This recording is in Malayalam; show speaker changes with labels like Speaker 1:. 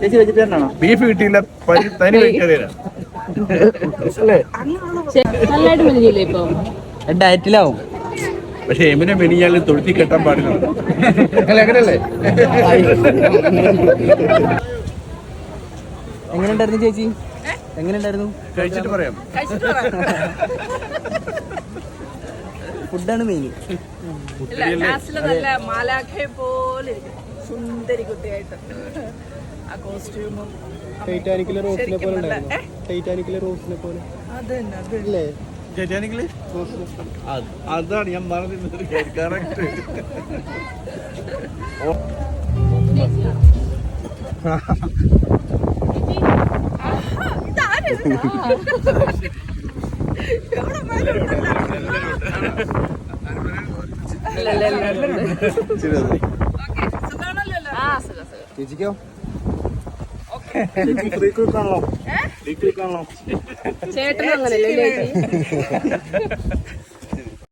Speaker 1: ചേച്ചി വെജിറ്റേറിയൻ ആണോ?
Speaker 2: ബീഫ് കിട്ടിയില്ല, തനി വെജിറ്റേറിയനാ.
Speaker 3: നല്ലതായിട്ട് മെലിഞ്ഞില്ലേ ഇപ്പൊ?
Speaker 1: ഡയറ്റിലാവും.
Speaker 2: പക്ഷെ എമിനെ മെനിഞ്ഞാൽ തൊഴുത്തി കെട്ടാൻ പാടില്ല. അങ്ങനല്ലേ?
Speaker 1: എങ്ങനെയുണ്ടായിരുന്നു ചേച്ചി? എങ്ങനെയുണ്ടായിരുന്നു?
Speaker 2: കഴിച്ചിട്ട് പറയാം.
Speaker 1: ഫുഡാണ് മെയിൻ.
Speaker 4: നല്ല മാലാഖയെ പോലെ സുന്ദരി കുട്ടിയായിട്ട് ആ കോസ്റ്റ്യൂമും
Speaker 5: ടൈറ്റാനിക്കിലെ റോസിനെ പോലെ ഉണ്ടായിരുന്നു. ടൈറ്റാനിക്കിലെ റോസിനെ പോലെ അതല്ലേ?
Speaker 2: ടൈറ്റാനിക്കില് അതാണ് ഞാൻ പറഞ്ഞിരുന്നത്. കറക്റ്റ്.
Speaker 1: ചേച്ചിക്കോ?
Speaker 3: ചേട്ടനും അങ്ങനെയല്ലേ ചേച്ചി?